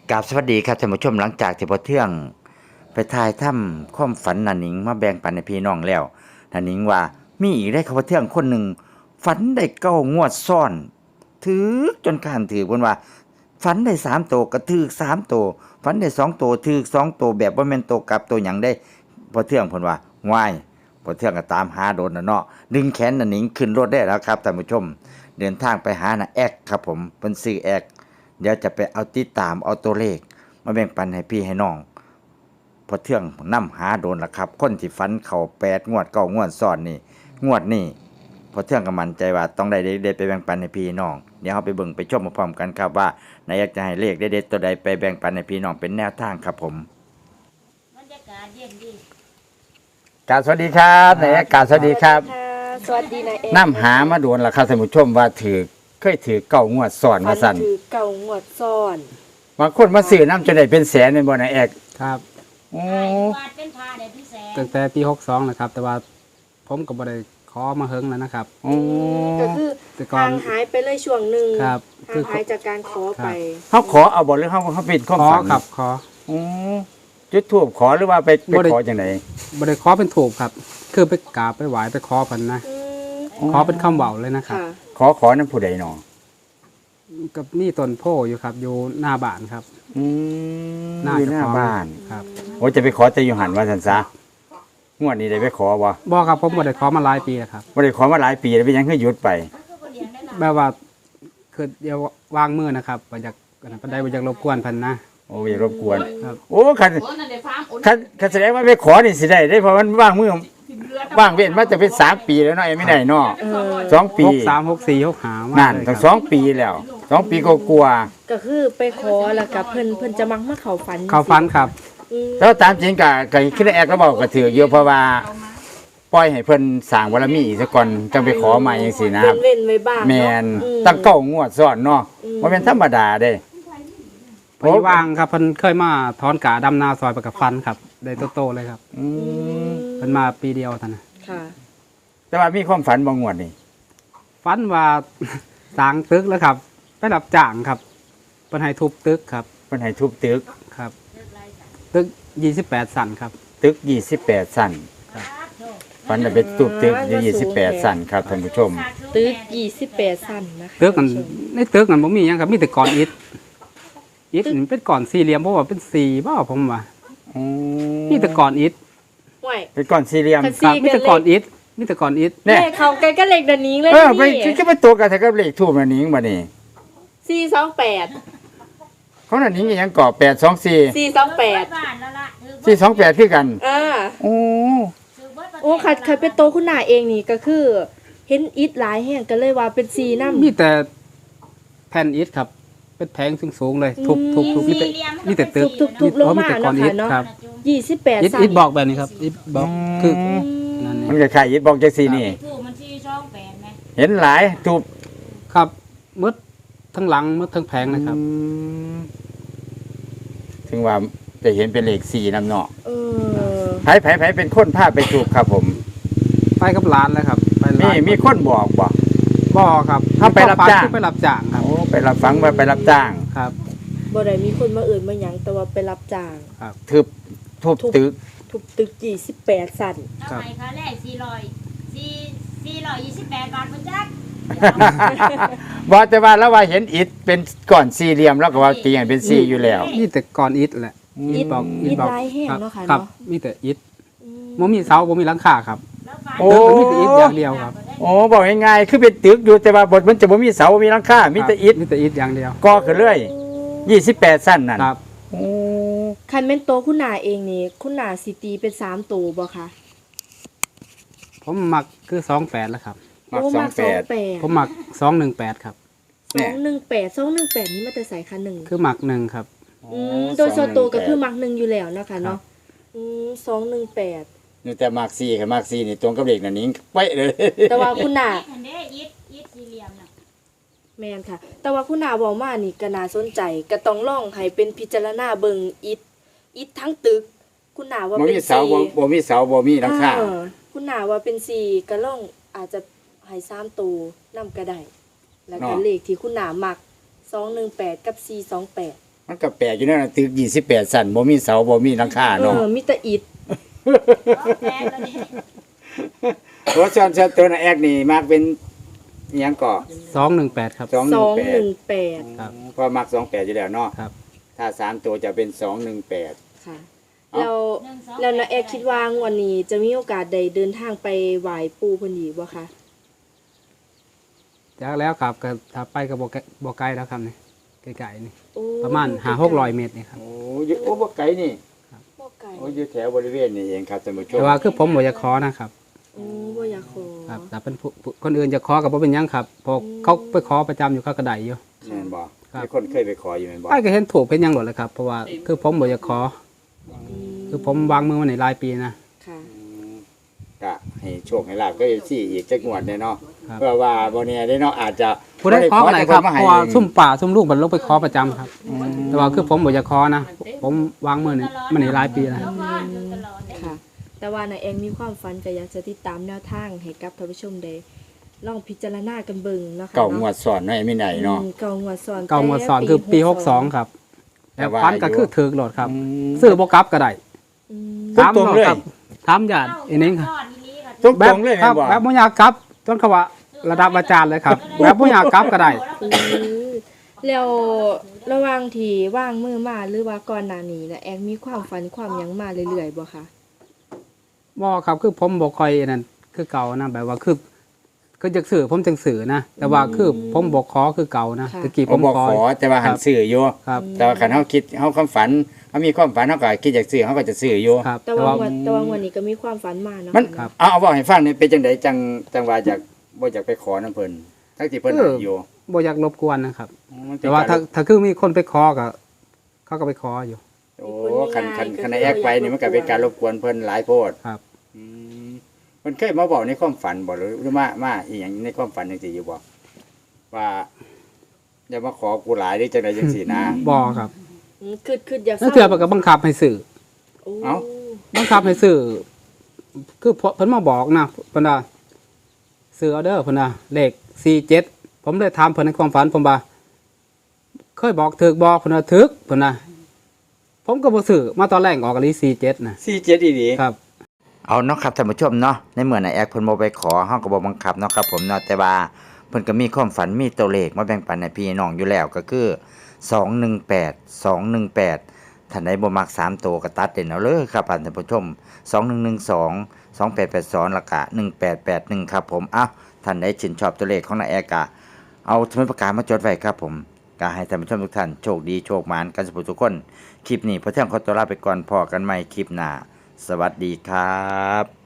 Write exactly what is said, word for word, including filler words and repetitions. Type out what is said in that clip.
กราบสวัสดีครับท่านผู้ชมหลังจากที่พอเที่ยงไปทายถ้ำความฝันนันหนิงมาแบ่งปันในพี่น้องแล้วนันหนิงว่ามีอีกได้ครับพอเที่ยงคนหนึ่งฝันได้เก้างวดซ้อนถือจนข้านถือคนว่าฝันได้สามโตวก็ถือสามโตวฝันได้สองโตวถือสองโตวแบบว่าแม่นโตวกลับตัวหยังได้พอเที่ยงคนว่าง่ายพอเที่ยงก็ตามหาโดนนะเนาะดึงแขนนันหนิงขึ้นรถได้แล้วครับท่านผู้ชมเดินทางไปหาน่ะแอกครับผมเป็นซื้อแอกเดี๋ยวจะไปเอาติดตามเอาตัวเลขมาแบ่งปันให้พี่ให้น้องพอเที่ยงนำหาโดนละครับคนที่ฟันเข่าแปดงวดเก้างวดซ้อนนี่งวดนี่พอเที่ยงก็มั่นใจว่าต้องได้เด็ดๆไปแบ่งปันให้พี่น้องเดี๋ยวเราไปเบิ่งไปชมพร้อมกันครับว่านายอยากจะให้เลขเด็ดๆตัวใดไปแบ่งปันให้พี่น้องเป็นแนวทางครับผมบรรยากาศเย็นดีกราบสวัสดีครับนายกราบสวัสดีครับสวัสดีนายเอกนำหามาโดนละครับท่านผู้ชมว่าถือเคยถือเก้างวดซ้อนมาสั่นถือเก่างวดซ้อนบางคนมาซื้อน้ำจนได้เป็นแสนเป็นบ่นายแอกครับโอ้ตั้งแต่ปีหกสองนะครับแต่ว่าผมก็บ่ได้ขอมาเฮิงแล้วนะครับก็คือทางหายไปเลยช่วงหนึ่งครับทางหายจากการขอไปเขาขอเอาบ่หรือเขาเขาปิดข้อฝันครับขอโอ้จุดทูบขอหรือว่าไปไปขอจังไหนบ่ได้ขอเป็นถูกครับคือไปกราบไปไหว้ไปขอเพิ่นนะขอเป็นคำเว้าเลยนะครับขอขอนั้นผู้ใดหนอกับนี่ต้นโพอยู่ครับอยู่หน้าบ้านครับอืมหน้าหน้าบ้านครับโอ้จะไปขอแต่อยู่หันว่าซั่นซะงวดนี้ได้ไปขอบ่บ่ครับผมบ่ได้ขอมาหลายปีแล้วครับบ่ได้ขอมาหลายปีแล้วเป็นหยังคือหยุดไปแบบว่าคือเดี๋ยววางมือนะครับบ่อยากอันนั้นปานใดบ่อยากรบกวนเพิ่นนะโอ้อย่ารบกวนโอ้คันคันคันแสดงว่าไปขอนี่สิได้ได้เพราะมันว่างมือว่างเว้นมาจะเป็นสามปีแล้วเนาะยังไม่ได้เนาะสองปีหกสาม หกสี่ หกห้านั่นตั้งสองปีแล้วสองปีก็กลัวก็คือไปขอแล้วก็เพิ่นเพิ่นจะมักมาเข้าฝันเข้าฝันครับแล้วตามจริงก็ก็คิดแอกก็บอกก็ถือเยอะเพราะว่าปล่อยให้เพิ่นสร้างบารมีอีกสักก่อนจังไปขอใหม่จังซี่นะครับเว้นไว้บ้างแม่นตั้งเก้างวดซ้อนเนาะบ่แม่นธรรมดาเด้ไปวางครับเพิ่นเคยมาถอนกาดำนาซอยไปกับฟันครับได้โตๆเลยครับอืมเพิ่นมาปีเดียวเท่านั้นค่ะแต่ว่ามีความฝันบ่งวดนี่ฝันว่าสร้างตึกแล้วครับไปรับจ้างครับเพิ่นให้ทุบตึกครับเพิ่นให้ทุบตึกครับตึกยี่สิบแปดชั้นครับตึกยี่สิบแปดชั้นครับฝันได้ไปทุบตึกยี่สิบแปดชั้นครับท่านผู้ชมตึกยี่สิบแปดชั้นนะคะตึกมันในตึกมันบ่มีหยังครับมีแต่ก้อนอิฐอิฐมันเป็นก้อนสี่เหลี่ยมเพราะว่าเป็นสี่บ่ผมว่าอ๋อมีแต่ก้อนอิฐเป็นก้อนสี่เหลี่ยมครับมีแต่ก้อนอิฐมีแต่ก้อนอิฐเนี่ยเขาใกล้ก็เลขดันนี้เลยเออไปคือไปตัวกันแต่ก็เลขทูบอันนี้บัดนี้สี่สองแปดเขานั่นนี้ยังก่อแปดสองสี่สี่สองแปดสี่สองแปดคือกันอ่าโอ้โอ้ขัดขัดเป็นโตคุณหน้าเองนี่ก็คือเห็นอิฐหลายแห่งก็เลยว่าเป็นสี่น้ำมีแต่แผ่นอิฐครับเป็นแผงสูงๆเลยทุบทุบทุบมีแต่มีแต่ตึกทุบทุบลงมาเนาะค่ะเนาะยี่สิบแปดอิฐอิฐบอกแบบนี้ครับอิฐบอกคือนั่นนี่มันก็คล้ายอิฐบอกจังซี่นี่เห็นหลายทุบครับมืดทั้งหลังมืดทั้งแผงนะครับถึงว่าจะเห็นเป็นเลขสี่นำเนาะเออไผไผไผเป็นคนพาไปถูกครับผมไปกับร้านแล้วครับไปร้านมีมีคนบอกบ่บ่ครับถ้าไปรับจ้างไปรับจ้างครับโอ้ไปรับฟังว่าไปรับจ้างครับบ่ได้มีคนมาเอื่นมาหยังแต่ว่าไปรับจ้างครับทุบทุบตึกทุบตึกยี่สิบแปดชั้นครับค่าแรกสี่ร้อย สี่ สี่ร้อยยี่สิบแปดบาทบ่จักบอกแต่ว่าแล้วว่าเห็นอิฐเป็นก้อนสี่เหลี่ยมแล้วก็ว่าตีให้เป็นสี่อยู่แล้วมีแต่ก้อนอิฐแหละอิฐบอกอิฐลายแห้งเนาะค่ะเนาะมีแต่อิฐบ่มีเสาบ่มีหลังคาครับโอ้มีแต่อิฐอย่างเดียวครับโอ้บอกง่ายๆคือเป็นตึกอยู่แต่ว่าบทมันจะบ่มีเสาบ่มีหลังคามีแต่อิฐมีแต่อิฐอย่างเดียวก่อขึ้นเรื่อยยี่สิบแปดชั้นนั่นครับโอ้คันแม่นโตคุณหน้าเองนี่คุณหน้าสิตีเป็นสามโตบ่คะผมมักคือสองแปดแล้วครับมักสองแปดผมมักสองหนึ่งแปดครับสองหนึ่งแปด สองหนึ่งแปดนี่มันจะใส่คันหนึ่งคือมักหนึ่งครับอืมโดยส่วนตัวก็คือมักหนึ่งอยู่แล้วนะคะเนาะอืมสองหนึ่งแปดนี่แต่มักสี่กับมักสี่นี่ตรงกับเลขนั่นนิ้งเป๊ะเลยแต่ว่าคุณหน้าอิฐอิฐสี่เหลี่ยมน่ะแม่นค่ะแต่ว่าคุณหน้าเว้ามานี่ก็น่าสนใจก็ต้องลองให้เป็นพิจารณาเบิ่งอิฐอิฐทั้งตึกคุณหน้าว่าเป็นสี่บ่มีเสาบ่มีเสาบ่มีหลังคาคุณหน้าว่าเป็นสี่ก็ลองอาจจะให้สามตัวนำก็ได้แล้วก็เลขที่คุณหน้ามักสองหนึ่งแปดกับสี่สองแปดมันก็แปลกอยู่นั่นน่ะตึกยี่สิบแปดชั้นบ่มีเสาบ่มีหลังคาเอเนาะอมีแต่อิฐแม่ตัวนี้เพราะฉะนั้นตัวน่ะแอกนี่มักเป็นอิหยังก็สองหนึ่งแปดครับสองหนึ่งสองแปดครับเพราะมักสองแปดอยู่แล้วเนาะครับถ้าสามตัวจะเป็นสองหนึ่งแปดค่ะเอ้าแล้วแล้วนาแอร์คิดว่างวันนี้จะมีโอกาสได้เดินทางไปไหว้ปู่เพิ่นอีกบ่คะจากแล้วครับก็ถ้าไปก็บ่ไกลบ่ไกลแล้วครับนี่ไกลๆนี่โอ้ประมาณห้าหกร้อยเมตรนี่ครับโอ้ยโอ้บ่ไกลนี่บ่ไกลโอ้อยู่แถวบริเวณนี่เองครับท่านผู้ชมแต่ว่าคือผมบ่อยากขอนะครับโอ้บ่อยากขอครับแต่เป็นผู้ผู้คนอื่นจะขอกับบ่เป็นหยังครับเพอเขาไปขอประจำอยู่เขาก็ได้อยู่แม่นบ่ครับมีคนเคยไปขออยู่แม่นบ่ไปก็เห็นถูกเป็นหยังหมดเลยครับเพราะว่าคือผมบ่อยากขอ คือผมวางมือมาในรายปีนะค่ะอืมก็ให้โชคให้ลาบก็สิอีกจักงวดแน่เนาะครับเพื่อว่าบ่แน่ได้เนาะอาจจะผู้ได้ขอก็ได้ครับแต่เพพิ่นราะว่าให้ซุ่มป่าซุ่มลูกบรรลุไปขอประจำครับ แต่ว่าคือผมบ่อยากขอนะผมวางมือนี่มาในรายปีนะแล้วก็อยู่ตลอดเลยค่ะ แต่ว่านาแอร์มีความฝันก็อยากจะติดตามแนวทางให้กับท่านผู้ชมได้ลองพิจารณากันเบิ่งเนาะค่ะเก่างวดซ้อนเนาะไอ้ไม่ไหนเนาะอืมเก่างวดซ้อนเก่างวดสอนคือปีหกสองครับแต่แต่ว่าฟันก็อยู่คือถือโหลดครับอืมซื้อบ่กลับก็ได้อืมตรงๆเลยครับถามญาติอีนึงครับก้อนนี้ค่ะตรงแบบๆเลยคแม่รันบบ่แบบบ่อยากกลับจนเขาว่าระดับอาจารย์เลยครับ แบบบ่อยากกลับก็ได้อืมแล้วระหว่างที่ว่างมือมาหรือว่าก่อนหน้านี้นาแอร์มีความฝันความหยังมาเรื่อยๆบ่คะบ่ครับคือผมบ่ค่อยนั่นคือเก่านะแบบว่าคือคือจักสื่อผมจังสื่อนะ แต่ว่าคือผมบ่ขอคือเก่านะตะกี้ผผม มบ่ขอขอแต่ว่าหันซื้ออยู่ครับแต่ว่าคันเฮาคิดเฮาความฝันเฮามีความฝันเฮาก็คิดอยากซื้อเฮาก็จะซื้ออยู่ครับแต่แต่ว่าว่างวดแต่ว่างวดนี้ก็มีความฝันมาเนาะมันค่ะเอาเอาบอกให้ฟังนี่เป็นจังไดจังจังว่าอยากบ่อยากไปขอน้ำเพิ่นทั้งที่เพิ่นเออให้อยู่บ่อยากรบกวนนะครับมันเป็นแต่ว่าถ้าการถ้าคือมีคนไปขอก็เขาก็ไปขออยู่โอ้คันคันคันแอกไปนี่มันก็เป็นการรบกวนเพิ่นหลายโพดครับอืมเพิ่นเคยมาบอกในความฝันบ่หรือหรือมามาอีหยังในความฝันจังซี่อยู่บ่ว่าอย่ามาขอกูหลายหรือจังไดจังซี่นะบ่ครับอืมคือคืออยากนั่นเถื่อเพิ่นก็บังคับให้ซื้อโอ้เอ้าบังคับให้ซื้อคือเพิ่นมาบอกนะเพิ่นว่าซื้อเอาเด้อเพิ่นว่าเลขสี่เจ็ดผมเลยถามเพิ่นในความฝันผมว่าเคยบอกถึกบ่เพิ่นว่าถึกเพิ่นน่ะผมก็บ่ซื้อมาตอนแรกออกอีหลีสี่เจ็ดน่ะสี่เจ็ดอีหลีครับเอาเนาะครับท่านผู้ชมเนาะในเมื่อนายแอกเพิ่นบ่ไปขอเฮาก็บ่บังคับเนาะครับผมเนาะแต่ว่าเพิ่นก็มีความฝันมีตัวเลขมาแบ่งปันให้พี่น้องอยู่แล้วก็คือสองหนึ่งแปด สองหนึ่งแปดท่านใดบ่มักสามตัวก็ตัดเด่นเอาเลยครับท่านผู้ชมสองหนึ่งหนึ่งสอง สองแปดแปดสองแล้วก็หนึ่งแปดแปดหนึ่งครับผมอ้าวท่านใดชื่นชอบตัวเลขของนายแอกก็เอาสมุดปากกามาจดไว้ครับผมก็ให้ท่านผู้ชมทุกท่านโชคดีโชคหมานกันสุขทุกคนคลิปนี้พอเที่ยงขอตัวลาไปก่อนพอกันใหม่คลิปหน้าสวัสดีครับ